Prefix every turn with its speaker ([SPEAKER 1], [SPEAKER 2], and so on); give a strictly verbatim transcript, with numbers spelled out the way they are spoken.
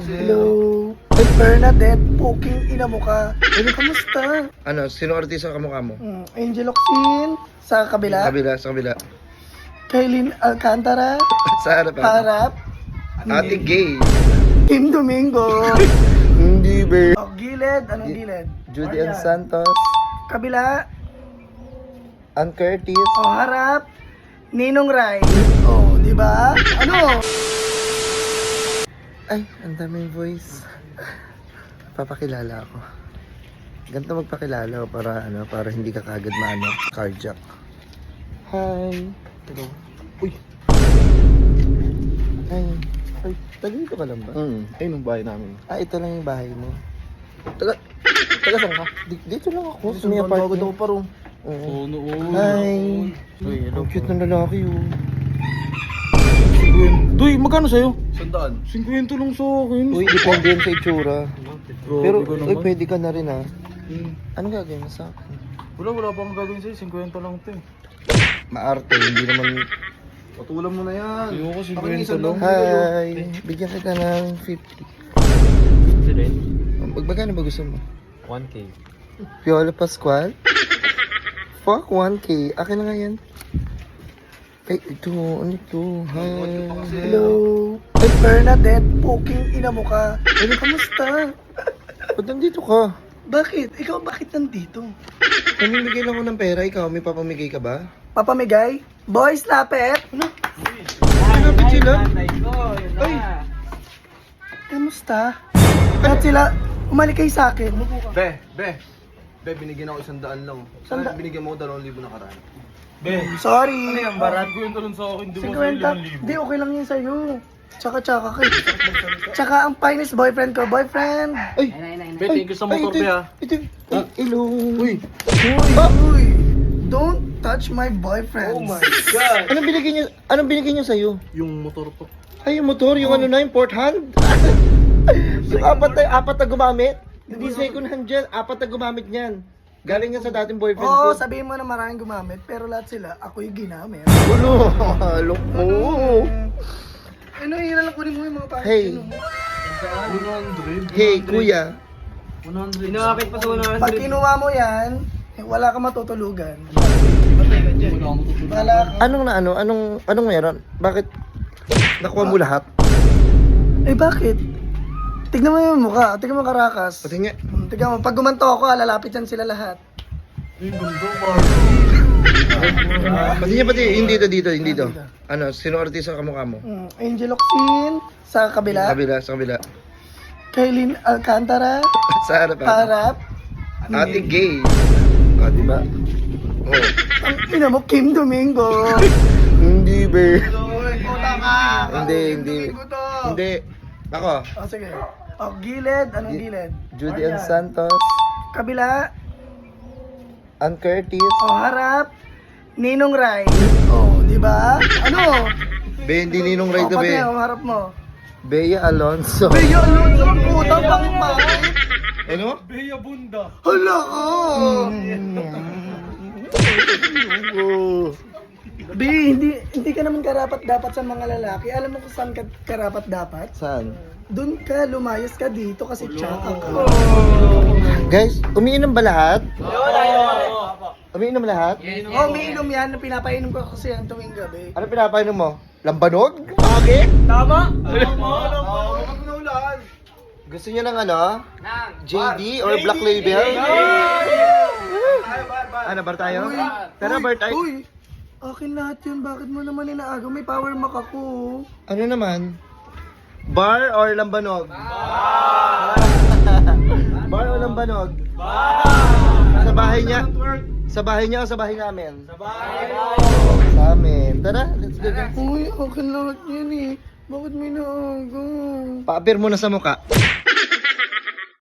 [SPEAKER 1] Hello. Ay, Bernadette, poking ina mo ka. Ano, kamusta?
[SPEAKER 2] Ano, sino artista kamukha mo?
[SPEAKER 1] Hmm, Angel Oxin, sa kabila.
[SPEAKER 2] Kabila, sa kabila.
[SPEAKER 1] Kailin Alcantara,
[SPEAKER 2] Sa harapan.
[SPEAKER 1] Harap.
[SPEAKER 2] Ate Gay.
[SPEAKER 1] Kim Domingo.
[SPEAKER 2] Hindi, be.
[SPEAKER 1] Oh, gilid, anong gilid?
[SPEAKER 2] Judy Ann
[SPEAKER 1] Ayan.
[SPEAKER 2] Santos.
[SPEAKER 1] Kabila.
[SPEAKER 2] Ann Curtis.
[SPEAKER 1] Oh, harap. Ninong Rai. Oh, di ba? Ano?
[SPEAKER 2] Ay, ang daming voice. Papakilala ako. Ganito magpakilala ko para ano, para hindi ka kagad maano, carjack. Hi. Hello. Uy. Hi. Ay, taga dito ka lang ba?
[SPEAKER 3] Hmm, ayun ang bahay namin.
[SPEAKER 2] Ah, ito lang yung bahay mo. Taga, taga saan ka? Di- dito lang ako. Sa may
[SPEAKER 3] Agad
[SPEAKER 2] apartment.
[SPEAKER 3] ako pa rin.
[SPEAKER 2] Oo.
[SPEAKER 3] Oo, noon.
[SPEAKER 2] Hi.
[SPEAKER 3] Uy, hello
[SPEAKER 2] Ang cute ng lalaki oh.
[SPEAKER 3] Duy, magkano sa'yo?
[SPEAKER 4] Sandaan.
[SPEAKER 3] fifty lang sa akin.
[SPEAKER 2] Uy, depende yan sa itsura.
[SPEAKER 3] Grabe
[SPEAKER 2] Pero,
[SPEAKER 3] ka
[SPEAKER 2] uy,
[SPEAKER 3] naman.
[SPEAKER 2] pwede ka na rin ah.
[SPEAKER 3] Hmm.
[SPEAKER 2] Anong gagawin mo sa akin?
[SPEAKER 3] Wala, wala pa akong gagawin sa'yo. fifty lang ito eh.
[SPEAKER 2] Maarte, hindi naman...
[SPEAKER 4] Patulan mo na yan.
[SPEAKER 3] Ayoko,
[SPEAKER 4] Akin
[SPEAKER 3] fifty
[SPEAKER 4] isang
[SPEAKER 3] lang.
[SPEAKER 2] Hi! Bigyan kita ng fifty.
[SPEAKER 3] fifty rin?
[SPEAKER 2] Pag magkano ba gusto mo?
[SPEAKER 3] one K.
[SPEAKER 2] Piolo Pascual? Fuck, one K. Akin na nga yan. Ay, ito. Ano ito? Hi.
[SPEAKER 1] Hello. Ay, Bernadette, poking ina mo ka. Ano, kamusta?
[SPEAKER 2] Ba't nandito ka?
[SPEAKER 1] Bakit? Ikaw bakit nandito?
[SPEAKER 2] Namimigay lang ako ng pera. Ikaw, may papamigay ka ba?
[SPEAKER 1] Papamigay? Boys, lapit? Ano?
[SPEAKER 2] Hanapit sila?
[SPEAKER 1] Ay! Kamusta? At sila, umalik kayo sa akin.
[SPEAKER 4] Be, be. Be, binigyan ako isang daan lang.
[SPEAKER 1] Sanda-
[SPEAKER 4] Sana binigyan mo ako dalawang libo na karaan.
[SPEAKER 3] Be,
[SPEAKER 1] Sorry.
[SPEAKER 3] ano yan, barat ko yung talon sa akin. Di ba sa'yo
[SPEAKER 1] fifty.
[SPEAKER 3] limang libo?
[SPEAKER 1] Di, okay lang yun sa'yo. Tsaka, tsaka kayo. Tsaka ang finest boyfriend ko. Boyfriend!
[SPEAKER 2] Ay!
[SPEAKER 3] Be, thank you sa motor,
[SPEAKER 2] ito,
[SPEAKER 3] be ah.
[SPEAKER 2] ito, ay, hello.
[SPEAKER 3] Uy,
[SPEAKER 1] Uy, uy! Don't touch my boyfriend.
[SPEAKER 4] Oh my God!
[SPEAKER 2] Anong binigay niya, anong binigay niya sa'yo?
[SPEAKER 3] yung motor ko.
[SPEAKER 2] Ay, yung motor, yung ano na, yung port hand. Yung apat na, apat na gumamit. Hindi second hand dyan, apat na gumamit niyan. Galing yan sa dating boyfriend
[SPEAKER 1] Oo,
[SPEAKER 2] ko.
[SPEAKER 1] sabihin mo na maraming gumamit, pero lahat sila, ako yung ginamit.
[SPEAKER 2] Ulo, look mo.
[SPEAKER 1] Ano, yun lang kunin mo yung mga pangit.
[SPEAKER 2] Hey.
[SPEAKER 3] one hundred?
[SPEAKER 2] Hey, kuya.
[SPEAKER 3] one hundred. Inakapit pa sa one hundred.
[SPEAKER 1] Pag kinuha mo yan, eh, wala ka matutulugan. Wala ka.
[SPEAKER 2] Anong na ano, anong, anong meron? Bakit nakuha mo lahat?
[SPEAKER 1] Eh bakit? Tignan mo yung mukha, tignan mo karakas.
[SPEAKER 2] Pati nga,
[SPEAKER 1] Hmm, tignan mo, pag gumanto ako, lalapit yan sila lahat.
[SPEAKER 3] Yung gundo,
[SPEAKER 2] pati niya, pati, hindi dito, dito, hindi dito. Ano, sino artista kamukha mo?
[SPEAKER 1] Hmm, Angel Oxin, sa kabila.
[SPEAKER 2] Kabila, sa kabila.
[SPEAKER 1] Kailin Alcantara,
[SPEAKER 2] Sa harapan.
[SPEAKER 1] Harap.
[SPEAKER 2] Ate Gay. Ah, di ba? Oh.
[SPEAKER 1] Ang ina mo, Kim Domingo.
[SPEAKER 2] Hindi, be.
[SPEAKER 1] Puta ka!
[SPEAKER 2] Hindi, hindi. Hindi. Ako,
[SPEAKER 1] O sige. O, gilid, anong gilid?
[SPEAKER 2] Judy Ann
[SPEAKER 1] Ayan.
[SPEAKER 2] Santos.
[SPEAKER 1] Kabila.
[SPEAKER 2] Ann Curtis.
[SPEAKER 1] O, harap. Ninong Rai. O, di ba? Ano?
[SPEAKER 2] Be, hindi ninong right
[SPEAKER 1] O,
[SPEAKER 2] to
[SPEAKER 1] pati
[SPEAKER 2] be.
[SPEAKER 1] ang harap mo.
[SPEAKER 2] Bea Alonso.
[SPEAKER 1] Beyo, Alonso, ang putang pangit pa.
[SPEAKER 2] Ano?
[SPEAKER 3] Beya bunda.
[SPEAKER 1] Hala ka! Be, hindi, hindi ka naman karapat dapat sa mga lalaki. Alam mo kung saan ka karapat dapat?
[SPEAKER 2] Saan?
[SPEAKER 1] Doon ka, lumayas ka dito kasi tsaka ka.
[SPEAKER 2] Guys, umiinom ba lahat? Umiinom lahat?
[SPEAKER 1] Oh, may inom yan. Pinapainom ko kasi yan tuwing gabi.
[SPEAKER 2] Ano pinapainom mo? Lambanog? Bakit?
[SPEAKER 1] Tama?
[SPEAKER 2] Gusto niyo ng ano? J D or Black Label? Ano, bar tayo? Tara, bar tayo.
[SPEAKER 1] Uy, akin lahat yun. Bakit mo naman inaagaw? May power mac ako.
[SPEAKER 2] Ano naman? Bar or lambanog? Bar o lambanog? Sa bahay niya? Sa bahay niya o sa bahay namin? Sa bahay. Sa amin. Tara, let's go. guys.
[SPEAKER 1] Uy, akin lahat yan eh. Bakit may naagaw?
[SPEAKER 2] Pa-appear muna sa muka.